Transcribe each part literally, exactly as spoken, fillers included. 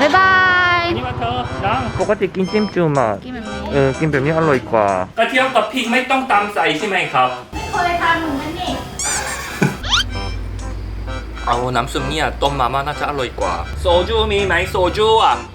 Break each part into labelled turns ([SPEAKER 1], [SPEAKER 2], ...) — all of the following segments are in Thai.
[SPEAKER 1] บ๊ายบาย
[SPEAKER 2] นี่มาเธอดังปกติกินจิ้มจุ่มอ่ะ
[SPEAKER 1] กินแบบนี้
[SPEAKER 2] เออกินแบบนี้อร่อยกว่ากระเทียมกับพริกไม่ต้องตำใส่ใช่ไหมครับ
[SPEAKER 1] ไม่เคยทำเหมือนกันนี่
[SPEAKER 2] เอาน้ำซุปเนี่ยต้มมาม่าน่าจะอร่อยกว่าโซจูมีไหมโซจูอ่ะ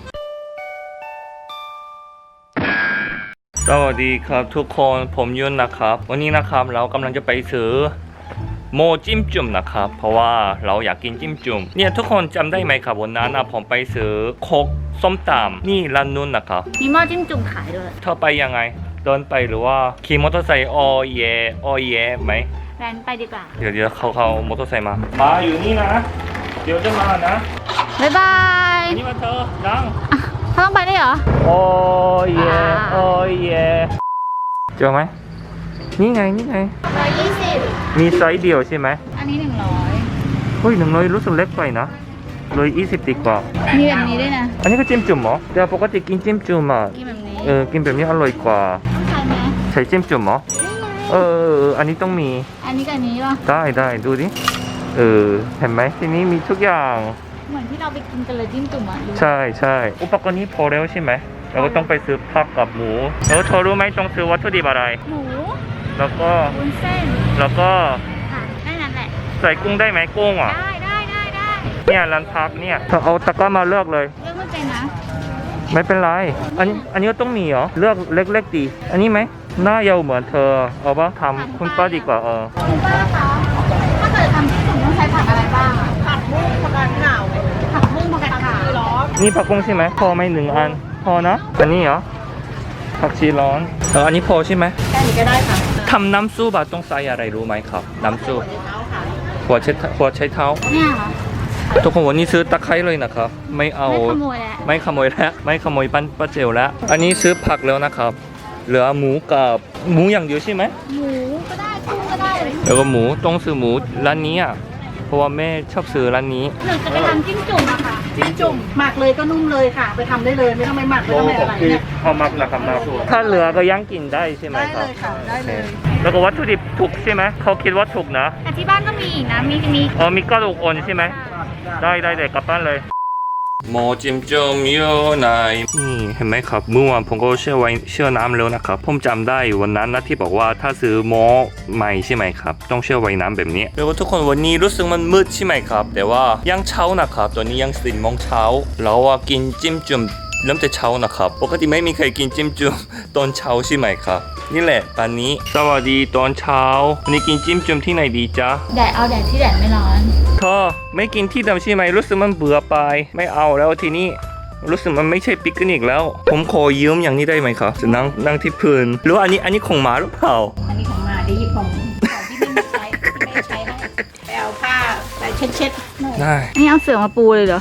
[SPEAKER 2] สวัสดีครับทุกคนผมยุนนะครับวันนี้นะครับเรากำลังจะไปซื้อโมจิ้มจุ่มนะครับเพราะว่าเราอยากกินจิ้มจุ่มเนี่ยทุกคนจำได้ไหมครับวันนั้นนะผมไปซื้อโคกส้มตำนี่ร้านนู้นนะครับ
[SPEAKER 1] มีหม้อจิ้มจุ่มขายด้วย
[SPEAKER 2] เธอไปยังไงเดินไปหรือว่าขี่มอเตอร์ไซค์ออเยออเยไหม
[SPEAKER 1] แรนไปดีกว่า
[SPEAKER 2] เดี๋ยวเดี๋ยวเขาเขามอเตอร์ไซค์มามาอยู่นี่นะเดี๋ยวจะมานะ
[SPEAKER 1] บ๊ายบาย
[SPEAKER 2] นี่มาเธอดัง
[SPEAKER 1] เขาต้องไปได้เหรอ
[SPEAKER 2] โอ้ยโอ้ยเจอไหมนี่ไงนี่ไง
[SPEAKER 1] ร้อยยี่สิบ
[SPEAKER 2] มีไซส์เดียวใช่ไหม
[SPEAKER 1] อันนี้หนึ่งร้อย
[SPEAKER 2] เฮ้ยหนึ่งร้อยรู้สึกเล็กไปนะเลยยี่สิบดีกว่า
[SPEAKER 1] มีแบบนี้ด้วยนะ
[SPEAKER 2] อันนี้ก็จิ้มจุ่มเหรอแต่ปกติกินจิ้มจุ่มอ่ะ
[SPEAKER 1] กินแบบนี้
[SPEAKER 2] เออกินแบบนี้อร่อยกว่า
[SPEAKER 1] ต้องใช้ไหม
[SPEAKER 2] ใช้จิ้มจุ่มเหรอ
[SPEAKER 1] นี่ไง
[SPEAKER 2] เออเออเอออันนี้ต้องมี
[SPEAKER 1] อันนี้กับอันนี้ป่ะ
[SPEAKER 2] ได้ได้ดูดิเออเห็นไหมทีนี้มีทุกอย่าง
[SPEAKER 1] เหมือนที่เราไปกินกันเลยจิ้มจุ่มอ่ะดู
[SPEAKER 2] ใช่ใช่อุปกรณ์นี้พอแล้วใช่ไหมเราก็ต้องไปซื้อผักกับหมูแล้วเธอรู้ไหมต้องซื้อวัตถุดิบอะไร
[SPEAKER 1] หมู
[SPEAKER 2] แล้วก็
[SPEAKER 1] วุ้นเส้น
[SPEAKER 2] แล้วก็
[SPEAKER 1] ค่ะแค่นั้นแหละ
[SPEAKER 2] ใส่กุ้งได้ไหมกุ้งอ่ะ
[SPEAKER 1] ได้ได้ได้ได้
[SPEAKER 2] เนี่ยร้านพักเนี่ยเธอเอาตะกร้ามาเลือกเลย
[SPEAKER 1] เลือกไม่เป็นนะ
[SPEAKER 2] ไม่เป็นไรอันนี้อันนี้ก็ต้องมีเหรอเลือกเล็กๆดีอันนี้ไหมหน้ายาวเหมือนเธอเอาปะทำคุณป้าดีกว่าเออ
[SPEAKER 1] คุณป้าคะถ้าเกิดทำจิ้มจุ่มต้องใช้ผักอะไรบ้างอะผักบุ้งผักกาดขาวผักบุ้งผักกาดขาวร้อน
[SPEAKER 2] นี่ผักบุ้งใช่ไหมพอไหมหนึ่งอันพอนะอันนี้เหรอผักชีร้อนเอออันนี้พอใช่ไหม
[SPEAKER 1] แค่นี้ก็ได้ค่ะ
[SPEAKER 2] ทำน้ำซุปอะต้องใส่อะไรรู้ไหมครับน้ำซุปหัวใช้หัวใช้เท้า
[SPEAKER 1] เนี่ยเหรอ
[SPEAKER 2] ทุกคนวันนี้ซื้อตะไคร้เลยนะครับไม่เอา
[SPEAKER 1] ไม่ขโมยแล้ว
[SPEAKER 2] ไม่ขโมยแล้วไม่ขโมยปั้นป้าเจลแล้วอันนี้ซื้อผักแล้วนะครับเหลือหมูกับหมูอย่างเดียวใช่ไหม
[SPEAKER 1] หมูก็ได้กุ้งก็ได้
[SPEAKER 2] แล้วก็หมูต้องซื้อหมูร้านนี้อ่ะเพราะว่าแม่ชอบซื้อร้านนี้
[SPEAKER 1] หนึ่งจะไปทำจิ้มจุ่มอะค่ะ
[SPEAKER 3] จิ้มจุ่มหมักเลยก็นุ่มเลยค่ะ ไปทำได้เลยไม่ต้องไปหมักไม่ต้องไปอะไรเนี่ย
[SPEAKER 2] พอมักนะครับมาถ้าเหลือก็ย่างกินได้ใช่ไหม
[SPEAKER 3] ได้
[SPEAKER 2] ค
[SPEAKER 3] เล
[SPEAKER 2] รับ
[SPEAKER 3] ยค่ะได้เลย
[SPEAKER 2] แล้วก็วัตถุดิบถูกใช่ไหมเขาคิดว่าถูกนะ
[SPEAKER 1] แต่ที่บ้านก็มีอีกนะ มีมี
[SPEAKER 2] อ๋อมีกระดูกอ่อนใช่ไหมได้ได้เลยกลับบ้านเลยโมจิมจมอยู่ไหนนี่เห็นไหมครับเมื่อวานผมก็เชื่อไว้เชื่อน้ำแล้วนะครับผมจำได้วันนั้นนะที่บอกว่าถ้าซื้อหม้อใหม่ใช่ไหมครับต้องเชื่อไว้น้ำแบบนี้แล้วก็ทุกคนวันนี้รู้สึกมันมืดใช่ไหมครับแต่ว่ายังเช้านะครับตอนนี้ยังสี่โมงเช้าเราอะกินจิ้มจุ่มเริ่มแต่เช้านะครับปกติไม่มีใครกินจิ้มจุ่มตอนเช้าใช่ไหมครับนี่แหละตอนนี้สวัสดีตอนเช้าวันนี้กินจิ้มจุ่มที่ไหนดีจ๊ะ
[SPEAKER 1] แดดเอาแดดที่แดดไม่ร้อน
[SPEAKER 2] เธอไม่กินที่เดิมใช่ไหมรู้สึกมันเบื่อไปไม่เอาแล้วทีนี้รู้สึกมันไม่ใช่ปิกนิกแล้ว ผมขอยืมอย่างนี้ได้ไหมครับจะนั่งนั่งที่พื้นหรือว่าอันนี้อันนี้ของหมาหรือเปล่า
[SPEAKER 3] อันนี้ของมาได้หยิบของของที่ไม่ใช้ที่ไม่ได้ใช้ให้ไปเอาผ้าไปเช็ดเช็ดๆหน่อย
[SPEAKER 2] ได้
[SPEAKER 1] อันนี้เอาเสื่อมาปูเลยเหรอ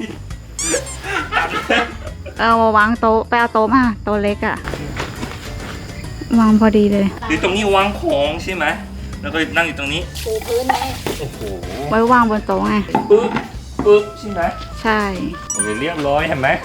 [SPEAKER 1] เอามาวางโต๊ะไปเอาโต๊ะมาโต๊ะเล็กอะวางพอดีเลย
[SPEAKER 2] อยู่ตรงนี้วางของใช่ไหมแล้วก็นั่งอยู่ตรงนี้
[SPEAKER 3] ปูพื้นไหม
[SPEAKER 2] โอ้โห
[SPEAKER 1] ไว้วางบนโต๊ะไง
[SPEAKER 2] ปึ๊บปึ๊บใช่ไหม
[SPEAKER 1] ใช่
[SPEAKER 2] โอเคเรียบร้อยเห็นไหม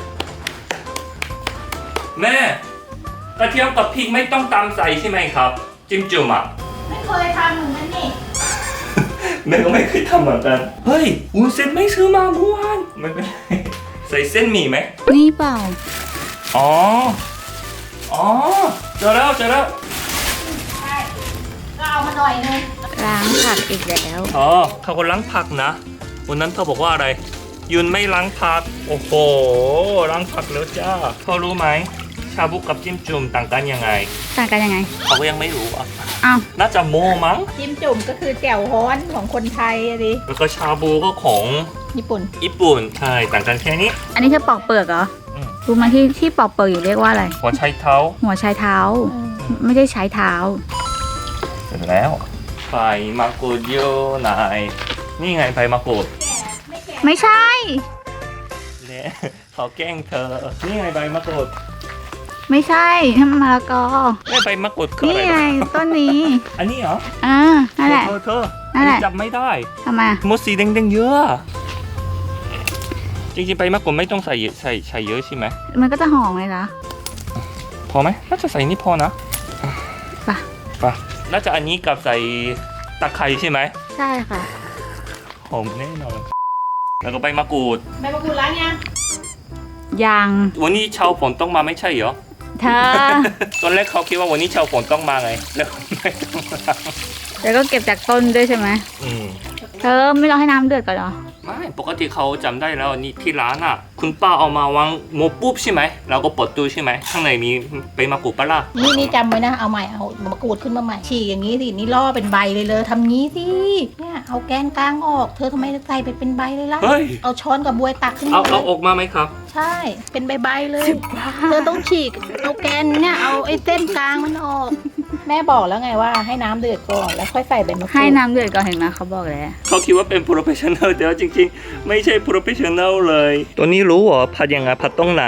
[SPEAKER 2] แม่กระเทียมกับพริกไม่ต้องตำใส่ใช่ไหมครับจิ้มจุ่มอ่ะ
[SPEAKER 3] ไม่เคยทำเหมือนกันนี่
[SPEAKER 2] แม่ก็ไม่เคยทำเหมือนกัน เฮ้ยวุ้นเส้นไม่ซื้อมาเมื่อวานไม่เป็นไรใส่เส้นหมี่ไหม
[SPEAKER 1] นี่เปล่า
[SPEAKER 2] อ๋อ อ๋อ เจอแล้วเจอแล้ว
[SPEAKER 3] ใช่ก็เอามาหน่อยนึง
[SPEAKER 1] ล้างผักอีกแล้ว
[SPEAKER 2] อ๋อเขาก็ล้างผักนะ วันนั้นเธอบอกว่าอะไร ยุนไม่ล้างผัก โอ้โห ล้างผักแล้วจ้าเธอรู้ไหม ชาบูกับจิ้มจุ่มต่างกันยังไง
[SPEAKER 1] ต่างกันยังไง
[SPEAKER 2] เขาก็ยังไม่รู้อ่ะ
[SPEAKER 1] อ้าว
[SPEAKER 2] น่าจะโมมั้ง
[SPEAKER 3] จิ้มจุ่มก็คือแจ่วฮ้อนของคนไทยอะดิ
[SPEAKER 2] แล้วก็ชาบูก็ของ
[SPEAKER 3] ญี่ปุ่น
[SPEAKER 2] ญี่ปุ่น ใช่ ต่างกันแค่นี้
[SPEAKER 1] อันนี้คือปอกเปลือกเหรอ
[SPEAKER 2] อืม
[SPEAKER 1] รู้ไหมที่ที่ปอกเปลือกอยู่เรียกว่าอะไร
[SPEAKER 2] หัวไชเท้า
[SPEAKER 1] หัวชายเท้า ไม่ได้ใช้เท้า
[SPEAKER 2] เสร็จแล้วใบมะกรูดโยไหนนี่ไงใบมะกรูด
[SPEAKER 1] ไม่ใช่
[SPEAKER 2] เนี่ยเขาแกล้งเธอ นี่ไงใบมะกรูด
[SPEAKER 1] ไม่ใช่ทำมะละกอ
[SPEAKER 2] ไม่ใบมะกรูดคือ
[SPEAKER 1] นี่
[SPEAKER 2] อะไร
[SPEAKER 1] ไง
[SPEAKER 2] วะ
[SPEAKER 1] ต้นนี้
[SPEAKER 2] อันนี้เหรอ
[SPEAKER 1] อ่านั่นแหละ
[SPEAKER 2] เธอเธอ
[SPEAKER 1] นั่นแหละ
[SPEAKER 2] อัจับไม่ได้
[SPEAKER 1] ทำไม
[SPEAKER 2] มดสีแดงๆเยอะ จริงๆใบมะกรูดไม่ต้องใส่ใส่ใส่เยอะใช่ไหม
[SPEAKER 1] มันก็จะหอมเลยนะ
[SPEAKER 2] พอไหมน่าจะใส่นี่พอนะ
[SPEAKER 1] ป่ะ
[SPEAKER 2] ไปน่าจะอันนี้กับใส่ตะไคร้ใช่ไหม
[SPEAKER 1] ใช่ค่ะ
[SPEAKER 2] หอมแน่นอน แล้วก็ใบมะกรูด
[SPEAKER 3] ใบมะกรูดล้างยัง
[SPEAKER 4] ยัง
[SPEAKER 2] วันนี้ชาวฝนต้องมาไม่ใช่เหรอ
[SPEAKER 4] เธอ
[SPEAKER 2] ตอนแรกเขาคิดว่าวันนี้ชาวฝนต้องมาไงแล้วไม่ต้องมา
[SPEAKER 4] แล้วก็เก็บจากต้นด้วยใช่ไหม
[SPEAKER 2] อืม
[SPEAKER 4] เธอไม่รอให้น้ำเดือดก่อนเหรอ
[SPEAKER 2] ไม่ปกติเขาจำได้แล้วนี่ที่ร้านอ่ะ คุณป้าเอามาวางหมดปุ๊บใช่ไหมเราก็เปิดตู้ใช่ไหมข้างในมีใบมะกรูดปะล่ะ
[SPEAKER 3] นี่นี่จำไว้นะ เอาใหม่ เอามะกรูดขึ้นมาใหม่ ฉีกอย่างนี้สิ นี่ล่อเป็นใบเลยเลยทำงี้สิ เนี่ย เอาแกนกลางออก เธอทำไมใส่ไปเป็นใบเลยล่ะ
[SPEAKER 2] เฮ้ย
[SPEAKER 3] เอาช้อนกับบวยตักขึ้น
[SPEAKER 2] เอา
[SPEAKER 3] มา
[SPEAKER 2] เอาออกมาไหมครับ
[SPEAKER 3] ใช่ เป็นใบๆเลย เธอต้องฉีก เอาแกนเนี่ย เอาไอ้เส้นกลางมันออก แม่บอกแล้วไงว่าให้น้ำเดือดก่อน แล้วค่อยใส่ใบมะกรูด
[SPEAKER 4] ให้น้ำเดือดก่อนเห็นไหมเขาบอกแล้ว
[SPEAKER 2] เขาคิดว่าเป็น professional แต่ว่าจริงๆ ไม่ใช่ professional เลย ตัวนี้รู้เหรอผัดยังไงผัดตรงไหน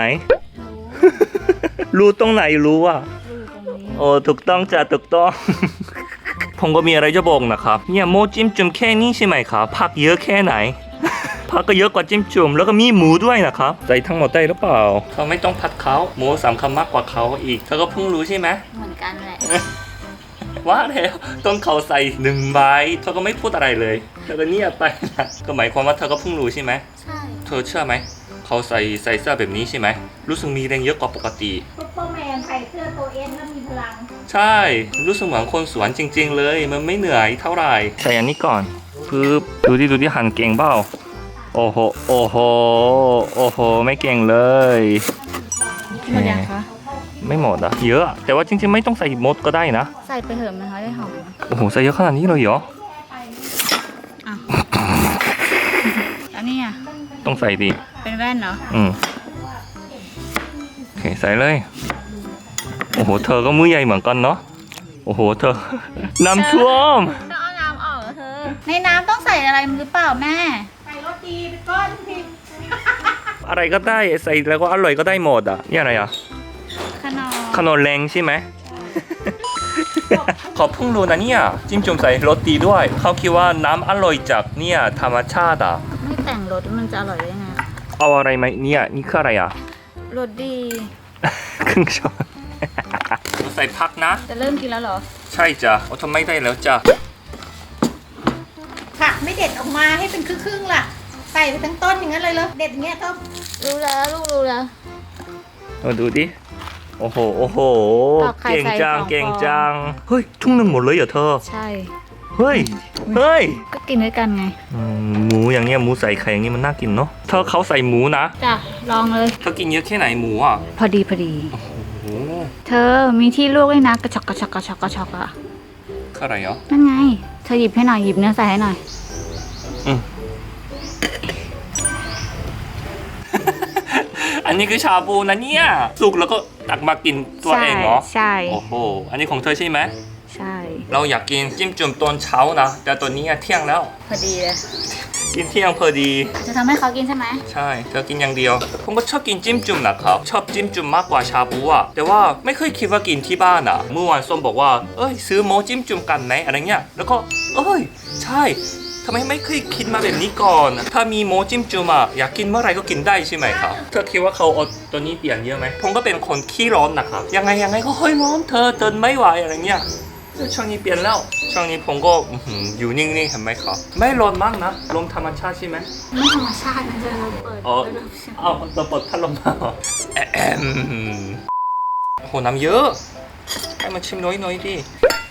[SPEAKER 2] รู้ตรงไหนรู้อ่ะ โอ้ถูกต้องจ้ะถูกต้อง ผมก็มีอะไรจะบอกนะครับเนี่ยโมจิ้มจุ่มแค่นี้ใช่ไหมครับผักเยอะแค่ไหน ผักก็เยอะกว่าจิ้มจุ่มแล้วก็มีหมูด้วยนะครับใส่ทั้งหมดได้หรือเปล่าเขาไม่ต้องผัดเขาหมูสำคัญมากกว่าเขาอีกเธอก็เพิ่งรู้ใช่ไหม
[SPEAKER 4] เหมือนกันแหละ
[SPEAKER 2] ว่าแล้วต้นเขาใส่หนึ่งใบเธอก็ไม่พูดอะไรเลยเธอก็เงียบไปนะก็หมายความว่าเธอก็เพิ่งรู้ใช่ไหม
[SPEAKER 4] ใช่
[SPEAKER 2] เธอเชื่อไหมเขาใส่ใส่เสื้อแบบนี้ใช่ไหมรู้สึกมีแรงเยอะกว่าปกติ
[SPEAKER 3] ซุปเปอร์แมนใส่เสื้อตัวเอ็นแล้วมีพลัง
[SPEAKER 2] ใช่รู้สึกเหมือนคนสวนจริง ๆ เลยมันไม่เหนื่อยเท่าไหร่ใส่อันนี้ก่อนปึ๊บดูดิดูดิหั่นเก่งเปล่าโอ้โหโอ้โหโอ้โหไม่เก่งเลย
[SPEAKER 4] หมดยังคะ
[SPEAKER 2] ไม่หมดอะเยอะแต่ว่าจริงๆไม่ต้องใส่หมดก็ได้นะ
[SPEAKER 4] ใส่ไปเถอะมันเขาได้หอม
[SPEAKER 2] โอ้โหใส่เยอะขนาดนี้เลยเหรอ
[SPEAKER 4] อ่ะแล้วนี่อ่ะ
[SPEAKER 2] ต้องใส่ดิ
[SPEAKER 4] เป็นแว่นเหรอ
[SPEAKER 2] อืมโอเคใส่เลยโอ้โหเธอก็มือใหญ่เหมือนกันเนาะโอ้โหเธอ น้ำท่วม
[SPEAKER 4] ต้องเอาน้ำออกเหรอเธอ ในน้ำต้องใส่อะไรหรือเปล่าแม่
[SPEAKER 3] ใส่รสดีไปก้อนสิ
[SPEAKER 2] อะไรก็ได้ใส่แล้วก็อร่อยก็ได้หมดอ่ะนี่อะไรอ่ะ
[SPEAKER 4] ขนม
[SPEAKER 2] ขนมแรงใช่ไหม ขอเพิ่งรู้นะเนี่ยจิ้มจุ่มใส่รสดีด้วย เขาคิดว่าน้ำอร่อยจากเนี่ยธรรมชาติอ่ะ
[SPEAKER 4] ไม่แต่งรสมันจะอร่อยได้ไง
[SPEAKER 2] เอาอะไรไหมเนี่ยนี่คืออะไรอ่ะ
[SPEAKER 4] รสดี
[SPEAKER 2] ครึ่งช้อน ใส่พักนะ
[SPEAKER 4] จะเริ่มกินแล้วเหรอ
[SPEAKER 2] ใช่จ้ะโอ้ทำไม่ได้แล้วจ้ะ
[SPEAKER 3] ผักไม่เด็ดออกมาให้เป็นครึ่งๆล่ะ ใส่ไปทั้งต้นอย่างนั้นเลยเหรอเด็ดอย่างเงี้ยก็
[SPEAKER 4] รู้แล้วลูกรู้แล้ว
[SPEAKER 2] มาดูดิโอ้โหโอ้โห
[SPEAKER 4] ตอกไข่
[SPEAKER 2] เก่ง
[SPEAKER 4] ใส่
[SPEAKER 2] จัง
[SPEAKER 4] สอง
[SPEAKER 2] เก่ง
[SPEAKER 4] ฟอง
[SPEAKER 2] จังเฮ้ยทุ่งหนึ่งหมดเลยเหรอเธอ
[SPEAKER 4] ใช่
[SPEAKER 2] เฮ้ยเฮ้ย
[SPEAKER 4] ก็กินด้วยกันไง
[SPEAKER 2] อืมหมูอย่างเงี้ยหมูใส่ไข่อย่างงี้มันน่ากินเนาะเธอเขาใส่หมูนะ
[SPEAKER 4] จ้ะ ลองเลย
[SPEAKER 2] เธอกินเยอะแค่ไหนหมูอ่ะ
[SPEAKER 4] พอดีพอดี
[SPEAKER 2] โอ้โห
[SPEAKER 4] เธอมีที่ลวกด้วยนะกระชอกกระชอกกระชอกกระชอกอะ
[SPEAKER 2] คืออะไรเหรอ
[SPEAKER 4] นั่นไง เธอหยิบให้หน่อยหยิบเนื้อใส่ให้หน่อย
[SPEAKER 2] อืม อันนี้คือชาบูนะเนี่ยสุกแล้วก็ตักมากินตัวเองเหรอ
[SPEAKER 4] ใช่
[SPEAKER 2] โอ้โหอันนี้ของเธอใช่ไหม
[SPEAKER 4] ใช่
[SPEAKER 2] เราอยากกินจิ้มจุ่มตอนเช้านะแต่ตอนนี้เที่ยงแล้ว
[SPEAKER 4] พอดีเลย
[SPEAKER 2] กินเที่ยงพอดี
[SPEAKER 4] จะทำให้เขากินใช่ไหม
[SPEAKER 2] ใช่เธอกินอย่างเดียว ผมก็ชอบกินจิ้มจุ่มนะครับ ชอบจิ้มจุ่มมากกว่าชาบูอะแต่ว่าไม่เคยคิดว่ากินที่บ้านอะเมื่อวานส้มบอกว่า เอ้ยซื้อโมจิ้มจุ่มกันไหมอะไรเงี้ย แล้วก็ เอ้ย ใช่ทำไมไม่เคยคิดมาแบบนี้ก่อน ถ้ามีโมจิ้มจุ่มอะอยากกินเมื่อไหรก็กินได้ใช่ไหมครับ เธอคิดว่าเขาเอาตัวนี้เปลี่ยนเยอะไหม ผมก็เป็นคนขี้ร้อนนะครับ ยังไงยังไงก็เฮ้ยร้อนเธอเดินไม่ไหวอะไรเงี้ย ช่วงนี้เปลี่ยนแล้ว ช่วงนี้ผมก็อื้อหืออยู่นิ่งๆเห็นไหมครับ ไม่ร้อนมากนะลมธรรมชาติใช่ไหม
[SPEAKER 4] ไม่ธรรมชาตินะเธอเปิด
[SPEAKER 2] อ๋อ เอาตัวเปิดพัดลมมาเหรอแอะแอมโหน้ำเยอะ ให้มันชิมน้อยหน่อยดิ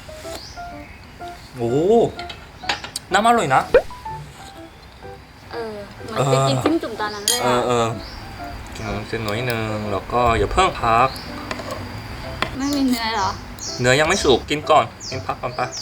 [SPEAKER 2] โอ้น้ำอร่อยนะ
[SPEAKER 4] เออเหมือนไปกินจิ้มจุ่มตอนนั้นเลย
[SPEAKER 2] เอ
[SPEAKER 4] อะ
[SPEAKER 2] อเออกินน้ำเส้นน้อยหนึงแล้วก็อย่าเพิ่งพัก
[SPEAKER 4] ไม่มีเนื้อเหรอ
[SPEAKER 2] เนื้อยังไม่สุกกินก่อน กินพักก่อนปะ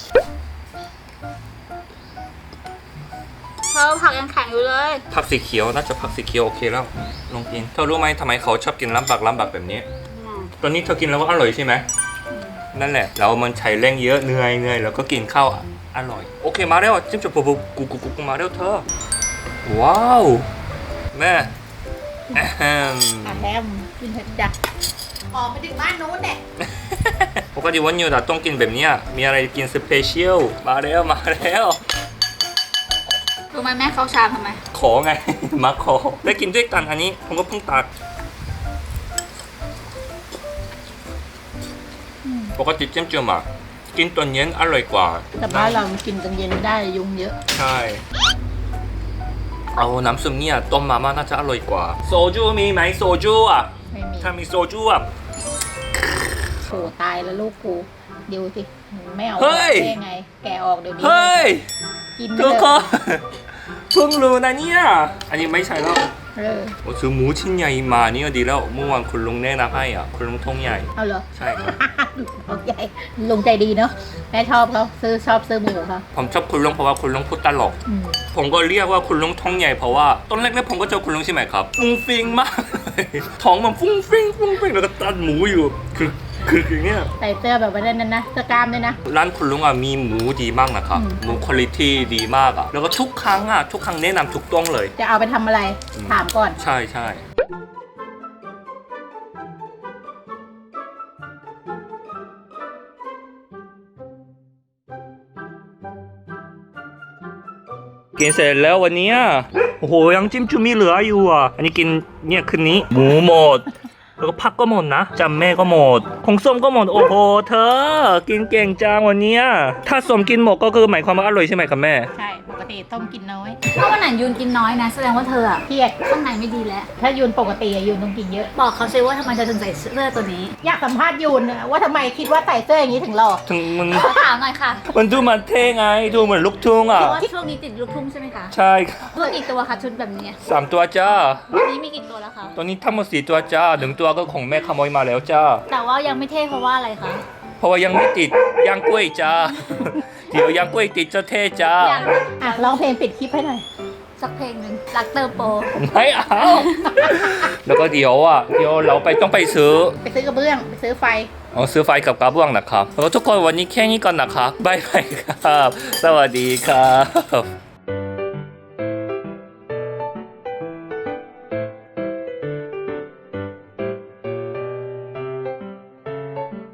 [SPEAKER 4] เธอผักยังแข็งอยู่เลย
[SPEAKER 2] ผักสีเขียวน่าจะผักสีเขียวโอเคแล้ว ลองกิน เธอรู้ไหมทำไมเขาชอบกินลำบักลำบักแบบนี้ ตอนนี้เธอกินแล้วก็อร่อยใช่ไหม นั่นแหละแล้วมันใช้แรงเยอะเหนื่อยเหนื่อยแล้วก็กินข้าวอ่ะอร่อย โอเคมาแล้วจิ้มจุ่มปุ๊บปุ๊บกูกูกูกูมาแล้วเธอ ว้าวแม่แอม
[SPEAKER 3] อ่ะแฮมกินเถอะจ้ะออกไปถึงบ้านนู้นแหละ
[SPEAKER 2] ปกติวันหยุดอะต้องกินแบบเนี้ยมีอะไรกินสเปเชียลมาแล้วมาแล้ว
[SPEAKER 4] รู้ไหมแม่เขาชามทำไม
[SPEAKER 2] ขอไง มาขอได้กินด้วยกันอันนี้ผมก็เพิ่งตักปกติจิ้มจุ่มอะกินตอนเย็นอร่อยกว่า
[SPEAKER 3] แต่บ้านเรากินกันเย็นไม่ได้ยุงเยอะ
[SPEAKER 2] ใช่เอาน้ำซุปเนี่ยต้มมาม่าน่าจะอร่อยกว่าโซจูมีไหมโซจูอ่ะ
[SPEAKER 3] ไม่มี
[SPEAKER 2] ถ้ามีโซจูอ่ะ
[SPEAKER 3] โอ้ตายแล้วลูกกูดูสิไม่เอา
[SPEAKER 2] เฮ้ย
[SPEAKER 3] ได้ไง แกะออกเดี๋ยวนี้
[SPEAKER 2] เฮ้ย
[SPEAKER 3] กิน
[SPEAKER 2] ทุก
[SPEAKER 3] เลย
[SPEAKER 2] คนเพิ่งรู้นะเนี่ยอันนี้ไม่ใช่แล้ว
[SPEAKER 3] เออ
[SPEAKER 2] โอ้ซื้อหมูชิ้นใหญ่มานี่ก็ดีแล้วเมื่อวานคุณลุงแนะนำให้อ่ะคุณลุงทงใหญ่
[SPEAKER 3] เอาเหรอ
[SPEAKER 2] ใช่ครับ
[SPEAKER 3] ลุงใหญ่ลุงใจดีเนาะแม่ชอบเขาซื้อชอบซื้อหมูเขา
[SPEAKER 2] ผมชอบคุณลุงเพราะว่าคุณลุงพูดตลก
[SPEAKER 3] อืม
[SPEAKER 2] ผมก็เรียกว่าคุณลุงท้องใหญ่เพราะว่าตอนแรกๆผมก็เจอคุณลุงใช่ไหมครับฟุ้งฟิงมากเลยท้องมันฟุ้งฟิงฟุ้งฟิงแล้วก็ตัดหมูอยู่คือคืออย่างเนี้ย
[SPEAKER 3] ใส่เสื้อแบบว่านั้นนะเสื้อกล้ามด้วยนะ
[SPEAKER 2] ร้านคุณลุงอ่ะมีหมูดีมากนะครับ
[SPEAKER 3] อืม
[SPEAKER 2] หมูคุณภาพดีมากอ่ะแล้วก็ทุกครั้งอ่ะทุกครั้งแนะนำถูกต้องเลย
[SPEAKER 3] จะเอาไปทำอะไร
[SPEAKER 2] อืม
[SPEAKER 3] ถามก่อน
[SPEAKER 2] ใช่ใช่กินเสร็จแล้ววันเนี้ยโอ้โหยังจิ้มจุ่มมีเหลืออยู่อ่ะอันนี้กินเนี่ยคืนนี้หมูหมด แล้วก็ผักก็หมดนะจำแม่ก็หมดของส้มก็หมดโอ้โหเธอ กินเก่งจังวันเนี้ยถ้าส้มกินหมดก็คือหมายความว่าอร่อยใช่ไหมครับแม่
[SPEAKER 3] ใช่ปกติต้มกินน้อย
[SPEAKER 4] ถ้าวันไหนยูนกินน้อยนะ แสดงว่าเธออะ
[SPEAKER 3] เครียด
[SPEAKER 4] ข้างในไม่ดีแล้ว
[SPEAKER 3] ถ้ายูนปกติอะยูนต้องกินเยอะ
[SPEAKER 4] บอกเขาซิว่าทำไมเธอถึงใส่เสื้อตัวนี้
[SPEAKER 3] อยากสัมภาษณ์ยูนอะว่าทำไมคิดว่าใส่เสื้ออย่างนี้ถึงหล่อ
[SPEAKER 2] ถึงมัน
[SPEAKER 4] ขอถามหน่อยค่ะ
[SPEAKER 2] มันดูมันเท่ไงดูเหมือนลูกทุ่งอ่ะ
[SPEAKER 4] เพราะว่าช่วงนี้ติดลูกทุ่งใช่ไหมคะ
[SPEAKER 2] ใช่ครับ
[SPEAKER 4] ตัวกี่ตัวคะชุดแบบนี้
[SPEAKER 2] สามตัวจ้า
[SPEAKER 4] วันนี้มีกี่ตัวแล้วคะ
[SPEAKER 2] ตัวนี้ทั้งหมดสี่ตัวจ้าหนึ่งตัวก็ของแม่ขโมยมาแล้วจ้า
[SPEAKER 4] แต่ว่ายังไม่เท่เพราะว่าอะไรคะ
[SPEAKER 2] เพราะว่ายังไม่ติดย่างกล้วยจ้า เดี๋ยวย่างกล้วยติดจะเท่จ้า
[SPEAKER 4] อยาก
[SPEAKER 3] อ่ะร้องเพลงปิดคลิปให้หน่อย
[SPEAKER 4] สักเพลงหนึ่งรักเตอร์โป
[SPEAKER 2] ไม่เอา แล้วก็เดี๋ยวอ่ะเดี๋ยวเราไปต้องไปซื้อ
[SPEAKER 3] ไปซื้อกระเบื้องไปซื้อไฟ
[SPEAKER 2] เอาซื้อไฟกับกระเบื้องนะครับแล้วก็ทุกคนวันนี้แค่นี้ก่อนนะครับบ๊ายบายครับ สวัสดีครับ